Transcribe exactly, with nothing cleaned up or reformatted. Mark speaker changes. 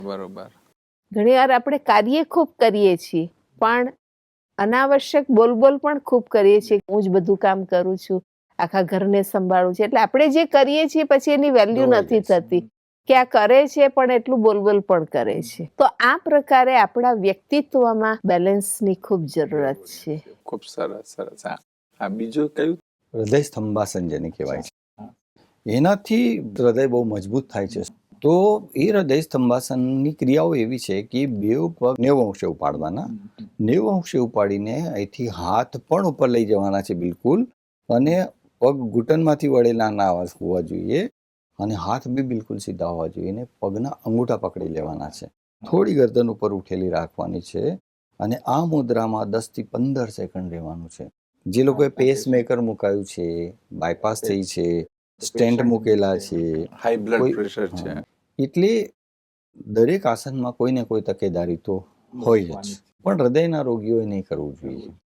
Speaker 1: બરોબર.
Speaker 2: ઘણી વાર આપણે કાર્ય ખૂબ કરીએ છીએ પણ અનાવશ્યક બોલબોલ પણ ખૂબ કરીએ છીએ. હું જ બધું કામ કરું છું, આખા ઘરને સંભાળું છું, એટલે આપણે જે કરીએ છીએ પછી એની વેલ્યુ નથી થતી કે આ કરે છે પણ એટલું બોલબોલ પણ કરે છે. તો આ પ્રકારે આપણા વ્યક્તિત્વમાં બેલેન્સની ખૂબ જરૂરત છે.
Speaker 1: ખૂબ સરસ સરસ. હા હા, બીજું કયું?
Speaker 3: હૃદય સ્તંભાસન જેને કહેવાય છે, એનાથી હૃદય બહુ મજબૂત થાય છે. તો એ હૃદય સ્તંભાસનની ક્રિયાઓ એવી છે કે બે પગ નેવું અંશે ઉપાડવાના, નેવું અંશે ઉપાડીને અહીંથી હાથ પણ ઉપર લઈ જવાના છે બિલકુલ, અને પગ ઘૂંટણમાંથી વળેલા ના હોવા જોઈએ, અને હાથ બી બિલકુલ સીધા હોવા જોઈએ. અને પગના અંગૂઠા પકડી લેવાના છે, થોડી ગરદન ઉપર ઉઠેલી રાખવાની છે, અને આ મુદ્રામાં દસ થી પંદર સેકન્ડ રહેવાનું છે. જે લોકોએ પેસ મેકર મુકાયું છે, બાયપાસ થઈ છે, સ્ટેન્ટ મૂકેલા છે,
Speaker 1: હાઈ બ્લડ
Speaker 3: કોઈ-
Speaker 1: પ્રેશર છે.
Speaker 3: હા. એટલે દરેક આસનમાં કોઈ ને કોઈ તકેદારી તો હોય જ, પણ હૃદયના રોગીઓએ નહીં કરવું જોઈએ.